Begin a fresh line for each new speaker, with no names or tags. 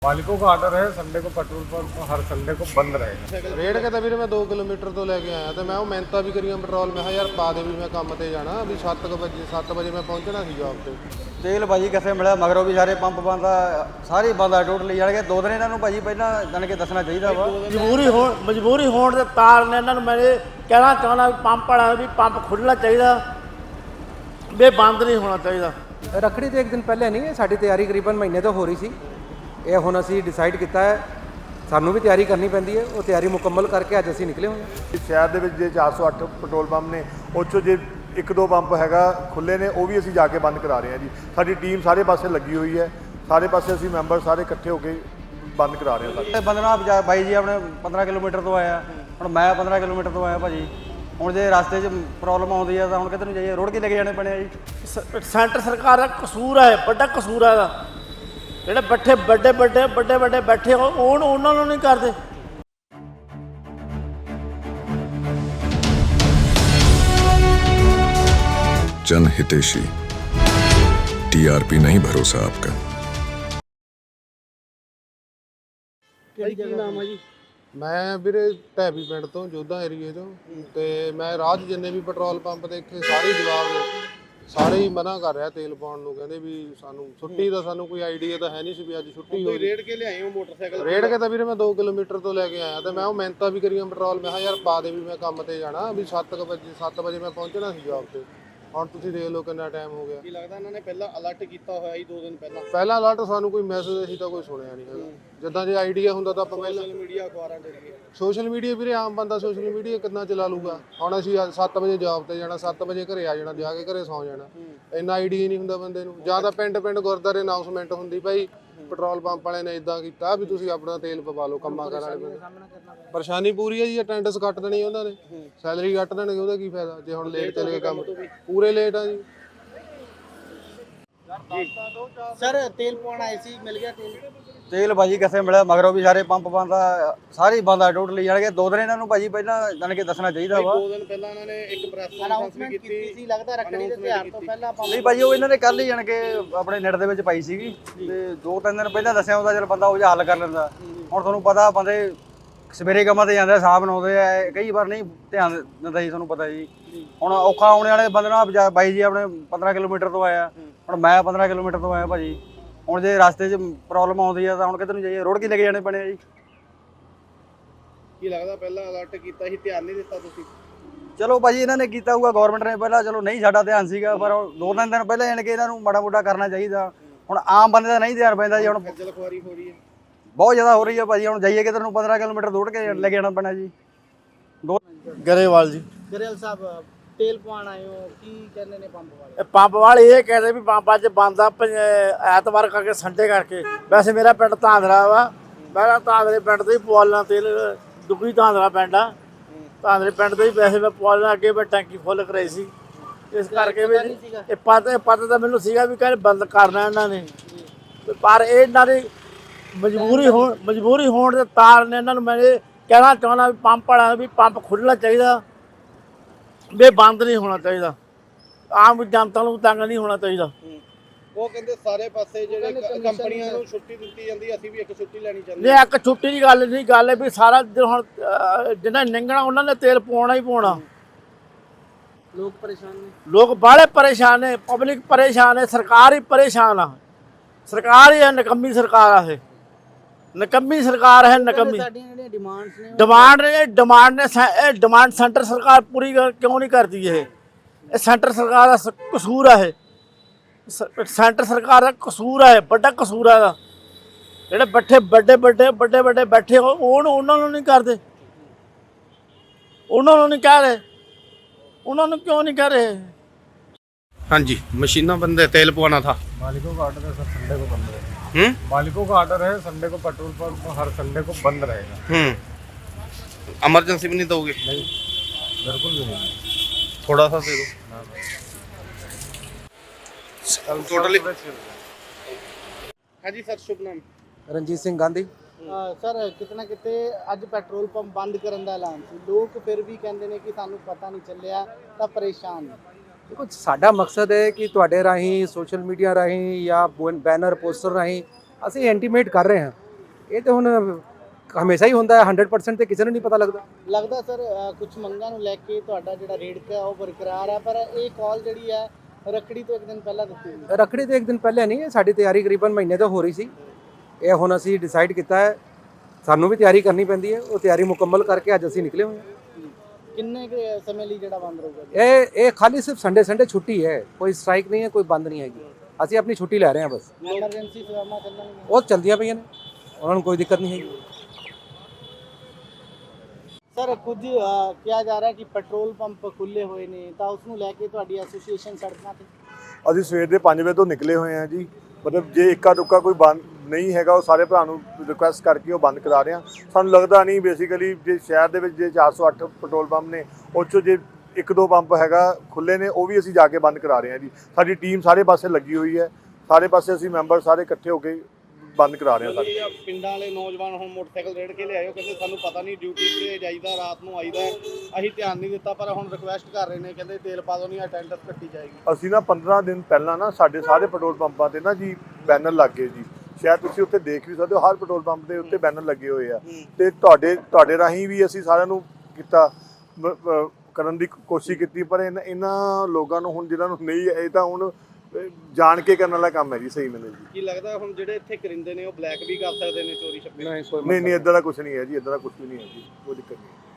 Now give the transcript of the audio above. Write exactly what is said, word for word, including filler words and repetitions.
मालिकों का आर्डर है संडे को पेट्रोल पंप हर संडे को बंद रहेगा।
ਰੇਡ ਕੇ ਤਾਂ ਵੀਰੇ ਮੈਂ ਦੋ ਕਿਲੋਮੀਟਰ ਤੋਂ ਲੈ ਕੇ ਆਇਆ ਤੇ ਮੈਂ ਉਹ ਮਿਹਨਤਾਂ ਵੀ ਕਰੀਆਂ ਪੈਟਰੋਲ ਮੈਂ ਕਿਹਾ ਯਾਰ ਪਾ ਦੇ ਵੀ ਮੈਂ ਕੰਮ ਤੇ ਜਾਣਾ ਵੀ ਸੱਤ ਵਜੇ ਸੱਤ ਵਜੇ ਮੈਂ ਪਹੁੰਚਣਾ ਸੀ ਜੌਬ ਤੇ।
ਤੇਲ ਭਾਜੀ ਕਿੱਥੇ ਮਿਲਿਆ ਮਗਰੋਂ ਵੀ ਸਾਰੇ ਪੰਪ ਬੰਦ ਆ, ਸਾਰੇ ਬੰਦ ਆ ਟੋਟਲੀ ਜਾਣਗੇ। ਦੋ ਦਿਨ ਇਹਨਾਂ ਨੂੰ ਭਾਜੀ ਪਹਿਲਾਂ ਜਾਣ ਕੇ ਦੱਸਣਾ ਚਾਹੀਦਾ ਵਾ।
ਮਜਬੂਰੀ ਹੋਣ ਮਜਬੂਰੀ ਹੋਣ ਦੇ ਤਾਰ ਨੇ ਇਹਨਾਂ ਨੂੰ ਮੈਂ ਇਹ ਕਹਿਣਾ ਚਾਹੁੰਦਾ ਵੀ ਪੰਪ ਵਾਲਾ ਵੀ ਪੰਪ ਖੁੱਲ੍ਹਣਾ ਚਾਹੀਦਾ ਵੀ ਬੰਦ ਨਹੀਂ ਹੋਣਾ ਚਾਹੀਦਾ।
ਰੱਖੜੀ ਤੋਂ ਇੱਕ ਦਿਨ ਪਹਿਲੇ ਨਹੀਂ ਹੈ, ਸਾਡੀ ਤਿਆਰੀ ਕਰੀਬਨ ਮਹੀਨੇ ਤੋਂ ਹੋ ਰਹੀ ਸੀ। ਇਹ ਹੁਣ ਅਸੀਂ ਡਿਸਾਈਡ ਕੀਤਾ ਹੈ, ਸਾਨੂੰ ਵੀ ਤਿਆਰੀ ਕਰਨੀ ਪੈਂਦੀ ਹੈ। ਉਹ ਤਿਆਰੀ ਮੁਕੰਮਲ ਕਰਕੇ ਅੱਜ ਅਸੀਂ ਨਿਕਲੇ ਹੋਏ ਹਾਂ।
ਸ਼ਹਿਰ ਦੇ ਵਿੱਚ ਜੇ ਚਾਰ ਸੌ ਅੱਠ ਪੈਟਰੋਲ ਪੰਪ ਨੇ, ਉਹ 'ਚੋਂ ਜੇ ਇੱਕ ਦੋ ਪੰਪ ਹੈਗਾ ਖੁੱਲ੍ਹੇ ਨੇ, ਉਹ ਵੀ ਅਸੀਂ ਜਾ ਕੇ ਬੰਦ ਕਰਾ ਰਹੇ ਹਾਂ ਜੀ। ਸਾਡੀ ਟੀਮ ਸਾਰੇ ਪਾਸੇ ਲੱਗੀ ਹੋਈ ਹੈ, ਸਾਰੇ ਪਾਸੇ ਅਸੀਂ ਮੈਂਬਰ ਸਾਰੇ ਇਕੱਠੇ ਹੋ ਕੇ ਬੰਦ ਕਰਾ ਰਹੇ ਹਾਂ।
ਇਹ ਬੰਦਨਾ ਬਾਈ ਜੀ ਆਪਣੇ ਪੰਦਰਾਂ ਕਿਲੋਮੀਟਰ ਤੋਂ ਆਇਆ, ਹੁਣ ਮੈਂ ਪੰਦਰਾਂ ਕਿਲੋਮੀਟਰ ਤੋਂ ਆਇਆ ਭਾਜੀ। ਹੁਣ ਜੇ ਰਸਤੇ 'ਚ ਪ੍ਰੋਬਲਮ ਆਉਂਦੀ ਹੈ ਤਾਂ ਹੁਣ ਕਿੱਧਰ ਨੂੰ ਜਾਈਏ, ਰੋੜ ਕੇ ਲੈ ਕੇ ਜਾਣੇ ਪੈਣੇ ਆ ਜੀ।
ਸ- ਸੈਂਟਰ ਸਰਕਾਰ ਦਾ ਕਸੂਰ ਹੈ, ਵੱਡਾ ਕਸੂਰ ਹੈ ਇਹਦਾ। ਜਿਹੜੇ ਬੱਠੇ ਵੱਡੇ ਵੱਡੇ ਵੱਡੇ ਵੱਡੇ ਬੈਠੇ ਹੋ ਉਹ ਉਹਨਾਂ ਨੂੰ ਨਹੀਂ ਕਰਦੇ।
जन हितेशी टीआरपी नहीं भरोसा आपका।
ਮੈਂ ਵੀਰੇ ਢੈਬੀ ਪਿੰਡ ਤੋਂ ਜੋਧਾ ਏਰੀਏ ਤੋਂ ਤੇ ਮੈਂ ਰਾਹ 'ਚ ਜਿੰਨੇ ਵੀ ਪੈਟਰੋਲ ਪੰਪ ਦੇਖੇ ਸਾਰੇ ਜਵਾਬ ਸਾਰੇ ਹੀ ਮਨਾ ਕਰ ਰਿਹਾ ਤੇਲ ਪਾਉਣ ਨੂੰ। ਕਹਿੰਦੇ ਵੀ ਸਾਨੂੰ ਛੁੱਟੀ ਦਾ ਸਾਨੂੰ ਕੋਈ ਆਈਡੀਆ ਤਾਂ ਹੈ ਨਹੀਂ ਸੀ ਵੀ ਅੱਜ ਛੁੱਟੀ ਹੋਈ। ਰੇਡ ਕੇ ਲਿਆਏ ਹੋ ਮੋਟਰਸਾਈਕਲ? ਰੇਡ ਕੇ ਤਾਂ ਵੀਰੇ ਮੈਂ ਦੋ ਕਿਲੋਮੀਟਰ ਤੋਂ ਲੈ ਕੇ ਆਇਆ ਤੇ ਮੈਂ ਉਹ ਮਿਹਨਤਾਂ ਵੀ ਕਰੀਆਂ ਪੈਟਰੋਲ ਮੈਂ ਕਿਹਾ ਯਾਰ ਪਾ ਦੇ ਵੀ ਮੈਂ ਕੰਮ ਤੇ ਜਾਣਾ ਵੀ ਸੱਤ ਵਜੇ ਸੱਤ ਵਜੇ ਮੈਂ ਪਹੁੰਚਣਾ ਸੀ ਜੌਬ ਤੇ। ਹੁਣ ਤੁਸੀਂ ਦੇਖ ਲਓ ਕਿੰਨਾ ਟਾਈਮ ਹੋ ਗਿਆ।
ਕੀ ਲੱਗਦਾ ਇਹਨਾਂ ਨੇ ਪਹਿਲਾਂ ਅਲਰਟ ਕੀਤਾ ਹੋਇਆ ਸੀ ਦੋ ਦਿਨ ਪਹਿਲਾਂ?
ਪਹਿਲਾ ਅਲਰਟ ਸਾਨੂੰ ਕੋਈ ਮੈਸੇਜ ਅਸੀਂ ਤਾਂ ਕੋਈ ਸੁਣਿਆ ਨਹੀਂ ਹੈਗਾ। ਜਿੱਦਾਂ ਜੇ ਆਈਡੀਆ ਹੁੰਦਾ ਤਾਂ ਆਪਾਂ ਪਹਿਲਾਂ
ਸੋਸ਼ਲ ਮੀਡੀਆ ਅਖਬਾਰਾਂ ਜਰੀਏ
ਸੋਸ਼ਲ ਮੀਡੀਆ ਵੀਰੇ ਆਮ ਬੰਦਾ ਸੋਸ਼ਲ ਮੀਡੀਆ ਕਿੰਨਾ ਚਲਾ ਲੂਗਾ। ਹੁਣ ਅਸੀਂ ਸੱਤ ਵਜੇ ਜੌਬ ਤੇ ਜਾਣਾ, ਸੱਤ ਵਜੇ ਘਰੇ ਆ ਜਾਣਾ, ਜਾ ਕੇ ਘਰੇ ਸੌਂ ਜਾਣਾ। ਇੰਨਾ ਆਈਡੀਆ ਨਹੀਂ ਹੁੰਦਾ ਬੰਦੇ ਨੂੰ। ਜਾਂ ਤਾਂ ਪਿੰਡ ਪਿੰਡ ਗੁਰਦੁਆਰੇ ਅਨਾਉਂਸਮੈਂਟ ਹੁੰਦੀ ਭਾਈ ਪੈਟਰੋਲ ਪੰਪ ਵਾਲੇ ਨੇ ਇਦਾਂ ਕੀਤਾ ਵੀ ਤੁਸੀਂ ਆਪਣਾ ਤੇਲ ਪਵਾ ਲਓ ਕੰਮਾਂ ਕਰਨ ਵਾਲੇ ਬੰਦੇ। ਪਰੇਸ਼ਾਨੀ ਪੂਰੀ ਹੈ ਜੀ। ਅਟੈਂਡੈਂਸ ਕੱਟ ਦੇਣੀ ਉਹਨਾਂ ਨੇ, ਸੈਲਰੀ ਕੱਟ ਦੇਣਗੇ, ਉਹਦਾ ਕੀ ਫਾਇਦਾ ਜੇ ਹੁਣ ਲੇਟ ਚਲੇ ਗਏ ਕੰਮ। ਪੂਰੇ ਲੇਟ ਆ ਜੀ।
ਸਰ ਤੇਲ ਪਾਉਣ ਆਏ ਸੀ, ਮਿਲ ਗਿਆ ਤੇਲ?
ਤੇਲ ਭਾਜੀ ਕਿੱਥੇ ਮਿਲਿਆ ਮਗਰੋਂ ਵੀ ਸਾਰੇ ਪੰਪ ਬੰਦ ਆ, ਸਾਰੇ ਬੰਦ ਆ ਟੋਟਲੀ ਜਾਣਗੇ। ਦੋ ਦਿਨ ਇਹਨਾਂ ਨੂੰ ਭਾਜੀ ਪਹਿਲਾਂ ਜਾਣ ਕੇ ਦੱਸਣਾ ਚਾਹੀਦਾ ਵਾ।
ਦੋ ਦਿਨ ਪਹਿਲਾਂ ਇਹਨਾਂ ਨੇ ਇੱਕ ਪ੍ਰੈਸ ਕਾਨਫਰੰਸ ਵੀ ਕੀਤੀ ਸੀ, ਲੱਗਦਾ ਰੱਖੜੀ ਦੇ ਤਿਉਹਾਰ ਤੋਂ ਪਹਿਲਾਂ ਪੰਪ।
ਨਹੀਂ ਭਾਜੀ ਉਹ ਇਹਨਾਂ ਨੇ ਕੱਲ ਹੀ ਜਾਣ ਕੇ ਆਪਣੇ ਨੈਟ ਦੇ ਵਿੱਚ ਪਾਈ ਸੀਗੀ ਤੇ ਦੋ ਤਿੰਨ ਦਿਨ ਪਹਿਲਾਂ ਦੱਸਿਆ ਹੁੰਦਾ ਚਲ ਬੰਦਾ ਉਹ ਜਿਹਾ ਹੱਲ ਕਰ ਲੈਂਦਾ। ਹੁਣ ਤੁਹਾਨੂੰ ਪਤਾ ਬੰਦੇ ਸਵੇਰੇ ਕੰਮਾਂ ਤੇ ਜਾਂਦੇ, ਸ਼ਾਮ ਨੂੰ ਆਉਂਦੇ ਆ, ਕਈ ਵਾਰ ਨਹੀਂ ਧਿਆਨ ਦਿੰਦਾ ਜੀ, ਤੁਹਾਨੂੰ ਪਤਾ ਜੀ। ਹੁਣ ਔਖਾ ਆਉਣੇ ਵਾਲੇ ਬੰਦੇ ਨਾਲ ਬਾਈ ਜੀ ਆਪਣੇ ਪੰਦਰਾਂ ਕਿਲੋਮੀਟਰ ਤੋਂ ਆਇਆ, ਹੁਣ ਮੈਂ ਪੰਦਰਾਂ ਕਿਲੋਮੀਟਰ ਤੋਂ ਆਇਆ ਭਾਜੀ। ਹੁਣ ਜੇ ਰਸਤੇ 'ਚ ਪ੍ਰੋਬਲਮ ਆਉਂਦੀ ਹੈ ਤਾਂ ਹੁਣ ਕਿੱਧਰ ਨੂੰ ਜਾਈਏ, ਰੋੜ ਕੇ ਲੈ ਕੇ ਜਾਣੇ ਪੈਣੇ ਆ ਜੀ।
ਕੀ ਲੱਗਦਾ ਪਹਿਲਾਂ ਅਲਰਟ ਕੀਤਾ ਸੀ, ਧਿਆਨ ਨਹੀਂ ਦਿੱਤਾ ਤੁਸੀਂ?
ਚਲੋ ਭਾਜੀ ਇਹਨਾਂ ਨੇ ਕੀਤਾ ਹੋਊਗਾ, ਗਵਰਨਮੈਂਟ ਨੇ ਪਹਿਲਾਂ, ਚਲੋ ਨਹੀਂ ਸਾਡਾ ਧਿਆਨ ਸੀਗਾ, ਪਰ ਦੋ ਤਿੰਨ ਦਿਨ ਪਹਿਲਾਂ ਜਾਣ ਕੇ ਇਹਨਾਂ ਨੂੰ ਮਾੜਾ ਮੋਟਾ ਕਰਨਾ ਚਾਹੀਦਾ। ਹੁਣ ਆਮ ਬੰਦੇ ਦਾ ਨਹੀਂ ਧਿਆਨ ਪੈਂਦਾ ਜੀ। ਹੁਣ
ਖੱਜਲ ਖੁਆਰੀ ਹੋ ਰਹੀ ਹੈ,
ਬਹੁਤ ਜ਼ਿਆਦਾ ਹੋ ਰਹੀ ਹੈ ਭਾਜੀ। ਹੁਣ ਜਾਈਏ ਕਿਧਰ ਨੂੰ, ਪੰਦਰਾਂ ਕਿਲੋਮੀਟਰ ਦੌੜ ਕੇ ਲੈ ਕੇ ਜਾਣਾ ਪੈਣਾ ਜੀ। ਦੋ
ਗਰੇਵਾਲ ਜੀ।
ਗਰੇਵਾਲ ਸਾਹਿਬ ਤੇਲ ਪਾਉਣ ਆਏ ਹੋ, ਕੀ ਕਹਿੰਦੇ ਨੇ ਪੰਪ ਵਾਲੇ?
ਇਹ ਪੰਪ ਵਾਲੇ ਇਹ ਕਹਿੰਦੇ ਵੀ ਪੰਪ ਅੱਜ ਬੰਦ ਆ ਪੰਜ- ਐਤਵਾਰ ਕਰਕੇ ਸੰਡੇ ਕਰਕੇ। ਵੈਸੇ ਮੇਰਾ ਪਿੰਡ ਧਾਂਦਰਾ ਵਾ, ਮੈਂ ਧਾਂਦਰੇ ਪਿੰਡ ਤੋਂ ਹੀ ਪਵਾਲਣਾ ਤੇਲ। ਦੁੱਗੀ ਧਾਂਦਰਾ ਪਿੰਡ ਆ, ਧਾਂਦਰੇ ਪਿੰਡ ਤੋਂ ਹੀ ਵੈਸੇ ਮੈਂ ਪਵਾਲਣਾ। ਅੱਗੇ ਮੈਂ ਟੈਂਕੀ ਫੁੱਲ ਕਰਾਈ ਸੀ, ਇਸ ਕਰਕੇ ਵੀ ਇਹ ਪਤਾ ਪਤਾ ਤਾਂ ਮੈਨੂੰ ਸੀਗਾ ਵੀ ਕਹਿੰਦੇ ਬੰਦ ਕਰਨਾ ਇਹਨਾਂ ਨੇ, ਪਰ ਇਹ ਇਹਨਾਂ ਦੀ ਮਜਬੂਰੀ ਹੋਣ ਮਜਬੂਰੀ ਹੋਣ ਦੇ ਤਾਰ ਨੇ ਇਹਨਾਂ ਨੂੰ ਮੈਂ ਇਹ ਕਹਿਣਾ ਚਾਹੁੰਦਾ ਵੀ ਪੰਪ ਵਾਲਾ ਵੀ ਪੰਪ ਖੁੱਲ੍ਹਣਾ ਚਾਹੀਦਾ ਵੀ ਬੰਦ ਨਹੀਂ ਹੋਣਾ ਚਾਹੀਦਾ। ਆਮ ਜਨਤਾ ਨੂੰ ਤੰਗ ਨਹੀਂ ਹੋਣਾ ਚਾਹੀਦਾ।
ਉਹ ਕਹਿੰਦੇ ਸਾਰੇ ਪਾਸੇ ਜਿਹੜੇ ਕੰਪਨੀਆਂ ਨੂੰ ਛੁੱਟੀ ਦਿੱਤੀ ਜਾਂਦੀ, ਅਸੀਂ ਵੀ ਇੱਕ ਛੁੱਟੀ ਲੈਣੀ ਚਾਹੁੰਦੇ।
ਨਹੀਂ ਇੱਕ ਛੁੱਟੀ ਦੀ ਗੱਲ ਨਹੀਂ, ਗੱਲ ਹੈ ਵੀ ਸਾਰਾ ਦਿਨ ਹੁਣ ਜਿਹਨਾਂ ਨਿੰਗਣਾ ਉਹਨਾਂ ਨੇ ਤੇਲ ਪਾਉਣਾ ਹੀ ਪਾਉਣਾ।
ਲੋਕ ਪਰੇਸ਼ਾਨ ਨੇ,
ਲੋਕ ਬਾਹਲੇ ਪਰੇਸ਼ਾਨ ਨੇ, ਪਬਲਿਕ ਪਰੇਸ਼ਾਨ ਹੈ, ਸਰਕਾਰ ਹੀ ਪਰੇਸ਼ਾਨ ਆ। ਸਰਕਾਰ ਹੀ ਹੈ ਨਕੰਮੀ ਸਰਕਾਰ ਆ, ਇਹ ਨਕੰਮੀ ਸਰਕਾਰ ਹੈ, ਨਕੰਮੀ।
ਸਾਡੀਆਂ ਜਿਹੜੀਆਂ ਡਿਮਾਂਡਸ ਨੇ
ਡਿਮਾਂਡ ਨੇ ਡਿਮਾਂਡ ਨੇ ਇਹ ਡਿਮਾਂਡ ਸੈਂਟਰ ਸਰਕਾਰ ਪੂਰੀ ਕਿਉਂ ਨਹੀਂ ਕਰਦੀ? ਇਹ ਇਹ ਸੈਂਟਰ ਸਰਕਾਰ ਦਾ ਸ- ਕਸੂਰ ਹੈ। ਇਹ ਸੈਂਟਰ ਸਰਕਾਰ ਦਾ ਕਸੂਰ ਹੈ, ਵੱਡਾ ਕਸੂਰ ਹੈ ਇਹਦਾ। ਜਿਹੜੇ ਬੱਠੇ ਵੱਡੇ ਵੱਡੇ ਵੱਡੇ ਵੱਡੇ ਬੈਠੇ ਹੋ ਉਹ ਉਹਨਾਂ ਨੂੰ ਨਹੀਂ ਕਰਦੇ, ਉਹਨਾਂ ਨੂੰ ਨਹੀਂ ਕਹਿ ਰਹੇ। ਉਹਨਾਂ ਨੂੰ क्यों नहीं कह रहे?
हाँ जी, मशीना बंद है, तेल पवाना था।
मालिकों का आर्डर है सर संडे को बंद रहेगा।
हम्म
मालिकों का आर्डर है संडे को पेट्रोल पंप हर संडे को बंद रहेगा।
हम्म इमरजेंसी भी नहीं दोगे?
नहीं बिल्कुल भी नहीं।
थोड़ा सा दे दो टोटली। हाँ जी सर, शुभ नाम?
ਰਣਜੀਤ ਸਿੰਘ ਗਾਂਧੀ।
ਸਰ ਕਿਤਨਾ ਕਿਤੇ ਅੱਜ ਪੈਟਰੋਲ ਪੰਪ ਬੰਦ ਕਰਨ ਦਾ ਐਲਾਨ ਸੀ, ਲੋਕ ਫਿਰ ਵੀ ਕਹਿੰਦੇ ਨੇ ਕਿ ਸਾਨੂੰ ਪਤਾ ਨਹੀਂ ਚੱਲਿਆ ਤਾਂ ਪਰੇਸ਼ਾਨ ਨੇ।
ਦੇਖੋ ਸਾਡਾ ਮਕਸਦ ਹੈ ਕਿ ਤੁਹਾਡੇ ਰਾਹੀਂ ਸੋਸ਼ਲ ਮੀਡੀਆ ਰਾਹੀਂ ਜਾਂ ਬੈਨਰ ਪੋਸਟਰ ਰਾਹੀਂ ਅਸੀਂ ਇੰਟੀਮੇਟ ਕਰ ਰਹੇ ਹਾਂ ਇਹ ਤੇ ਹੁਣ ਹਮੇਸ਼ਾ ਹੀ ਹੁੰਦਾ ਹੈ, ਹੰਡਰਡ ਪਰਸੈਂਟ ਤੇ ਕਿਸੇ ਨੂੰ ਨਹੀਂ ਪਤਾ ਲੱਗਦਾ।
ਲੱਗਦਾ ਸਰ ਕੁਝ ਮੰਗਾਂ ਨੂੰ ਲੈ ਕੇ ਤੁਹਾਡਾ ਜਿਹੜਾ ਰੇਟ ਹੈ ਉਹ ਬਰਕਰਾਰ ਹੈ, ਪਰ ਇਹ ਕਾਲ ਜਿਹੜੀ ਹੈ ਰੱਖੜੀ ਤੋਂ ਇੱਕ ਦਿਨ ਪਹਿਲਾਂ ਦਿੱਤੀ ਹੋਈ ਹੈ।
ਰੱਖੜੀ ਤੋਂ ਇੱਕ ਦਿਨ ਪਹਿਲੇ ਨਹੀਂ, ਸਾਡੀ ਤਿਆਰੀ ਕਰੀਬਨ ਮਹੀਨੇ ਤੋਂ ਹੋ ਰਹੀ ਸੀ। ਇਹ ਹੁਣ ਅਸੀਂ ਡਿਸਾਈਡ ਕੀਤਾ ਹੈ, ਸਾਨੂੰ ਵੀ ਤਿਆਰੀ ਕਰਨੀ ਪੈਂਦੀ ਹੈ, ਉਹ ਤਿਆਰੀ ਮੁਕੰਮਲ ਕਰਕੇ ਅੱਜ ਅਸੀਂ ਨਿਕਲੇ ਹੋਏ ਹਾਂ।
ਕਿੰਨੇ ਕੁ ਸਮੇਂ ਲਈ ਜਿਹੜਾ ਬੰਦ ਰਹੂਗਾ ਜੀ?
ਇਹ ਇਹ ਖਾਲੀ ਸਿਰਫ ਸੰਡੇ ਸੰਡੇ ਛੁੱਟੀ ਹੈ, ਕੋਈ ਸਟ੍ਰਾਈਕ ਨਹੀਂ ਹੈ, ਕੋਈ ਬੰਦ ਨਹੀਂ ਹੈਗੀ। ਅਸੀਂ ਆਪਣੀ ਛੁੱਟੀ ਲੈ ਰਹੇ ਹਾਂ ਬਸ।
ਐਮਰਜੈਂਸੀ ਸੇਵਾਵਾਂ ਚੱਲਣਗੀਆਂ?
ਉਹ ਚਲਦੀਆਂ ਪਈਆਂ ਨੇ, ਉਹਨਾਂ ਨੂੰ ਕੋਈ ਦਿੱਕਤ ਨਹੀਂ ਹੈਗੀ।
ਸਰ ਕੁਝ ਅ, ਕਿਹਾ ਜਾ ਰਿਹਾ ਕਿ ਪੈਟਰੋਲ ਪੰਪ ਖੁੱਲੇ ਹੋਏ ਨੇ, ਤਾਂ ਉਸ ਨੂੰ ਲੈ ਕੇ ਤੁਹਾਡੀ ਐਸੋਸੀਏਸ਼ਨ ਸੜਕਾਂ ਤੇ?
ਅਸੀਂ ਸਵੇਰ ਦੇ ਪੰਜ ਵਜੇ ਤੋਂ ਨਿਕਲੇ ਹੋਏ ਹਾਂ ਜੀ। ਮਤਲਬ ਜੇ ਇੱਕਾ ਦੁੱਕਾ ਕੋਈ ਬੰਦ ਨਹੀਂ ਹੈਗਾ, ਉਹ ਸਾਰੇ ਭਰਾ ਨੂੰ ਰਿਕੁਐਸਟ ਕਰਕੇ ਉਹ ਬੰਦ ਕਰਾ ਰਹੇ ਹਾਂ। ਸਾਨੂੰ ਲੱਗਦਾ ਨਹੀਂ ਬੇਸਿਕਲੀ ਜੇ ਸ਼ਹਿਰ ਦੇ ਵਿੱਚ ਜੇ ਚਾਰ ਸੌ ਅੱਠ ਪੈਟਰੋਲ ਪੰਪ ਨੇ, ਉਹ 'ਚੋਂ ਜੇ ਇੱਕ ਦੋ ਪੰਪ ਹੈਗਾ ਖੁੱਲੇ ਨੇ, ਉਹ ਵੀ ਅਸੀਂ ਜਾ ਕੇ ਬੰਦ ਕਰਾ ਰਹੇ ਹਾਂ ਜੀ। ਸਾਡੀ ਟੀਮ ਸਾਰੇ ਪਾਸੇ ਲੱਗੀ ਹੋਈ ਹੈ, ਸਾਰੇ ਪਾਸੇ ਅਸੀਂ ਮੈਂਬਰ ਸਾਰੇ ਇਕੱਠੇ ਹੋ ਕੇ ਬੰਦ ਕਰਾ ਰਹੇ ਹਾਂ ਸਾਰੇ।
ਪਿੰਡਾਂ ਵਾਲੇ ਨੌਜਵਾਨ ਹੁਣ ਮੋਟਰਸਾਈਕਲ ਰੇੜ ਕੇ ਲਿਆਇਓ, ਕਹਿੰਦੇ ਸਾਨੂੰ ਪਤਾ ਨਹੀਂ ਡਿਊਟੀ ਤੇ ਜਾਈਦਾ, ਰਾਤ ਨੂੰ ਆਈਦਾ, ਅਸੀਂ ਧਿਆਨ ਨਹੀਂ ਦਿੱਤਾ, ਪਰ ਹੁਣ ਰਿਕੁਐਸਟ ਕਰ ਰਹੇ ਨੇ, ਕਹਿੰਦੇ ਤੇਲ ਪਾ ਦੋ ਨਹੀਂ ਅਟੈਂਡੈਂਸ ਕੱਟੀ ਜਾਏਗੀ।
ਅਸੀਂ ਨਾ ਪੰਦਰਾਂ ਦਿਨ ਪਹਿਲਾਂ ਨਾ ਸਾਡੇ ਸਾਰੇ ਪੈਟਰੋਲ ਪੰਪਾਂ ਤੇ ਨਾ ਜੀ ਬੈਨਰ ਲੱਗ ਗਏ ਜੀ। ਸ਼ਾਇਦ ਤੁਸੀਂ ਉੱਥੇ ਦੇਖ ਵੀ ਸਕਦੇ ਹੋ, ਹਰ ਪੈਟਰੋਲ ਪੰਪ ਦੇ ਉੱਤੇ ਬੈਨਰ ਲੱਗੇ ਹੋਏ ਆ। ਤੇ ਤੁਹਾਡੇ ਤੁਹਾਡੇ ਰਾਹੀਂ ਵੀ ਅਸੀਂ ਸਾਰਿਆਂ ਨੂੰ ਕੀਤਾ ਮ- ਅ, ਕਰਨ ਦੀ ਕੋਸ਼ਿਸ਼ ਕੀਤੀ, ਪਰ ਇਹਨਾਂ ਇਹਨਾਂ ਲੋਕਾਂ ਨੂੰ ਹੁਣ ਜਿਹਨਾਂ ਨੂੰ ਨਹੀਂ, ਇਹ ਤਾਂ ਹੁਣ ਅ, ਜਾਣ ਕੇ ਕਰਨ ਵਾਲਾ ਕੰਮ ਹੈ ਜੀ। ਸਹੀ ਮੈਨੂੰ ਜੀ
ਕੀ ਲੱਗਦਾ ਹੁਣ ਜਿਹੜੇ ਇੱਥੇ ਕਰਿੰਦੇ ਨੇ ਉਹ ਬਲੈਕ ਵੀ ਕਰ ਸਕਦੇ ਨੇ, ਚੋਰੀ ਛੱਪੇ?
ਨਹੀਂ ਕੋਈ
ਨਹੀਂ ਨਹੀਂ ਇਦਾਂ ਦਾ ਕੁਝ ਨਹੀਂ ਹੈ ਜੀ, ਇਦਾਂ ਦਾ ਕੁਝ ਵੀ ਨਹੀਂ ਹੈ ਜੀ, ਕੋਈ ਦਿੱਕਤ ਨਹੀਂ।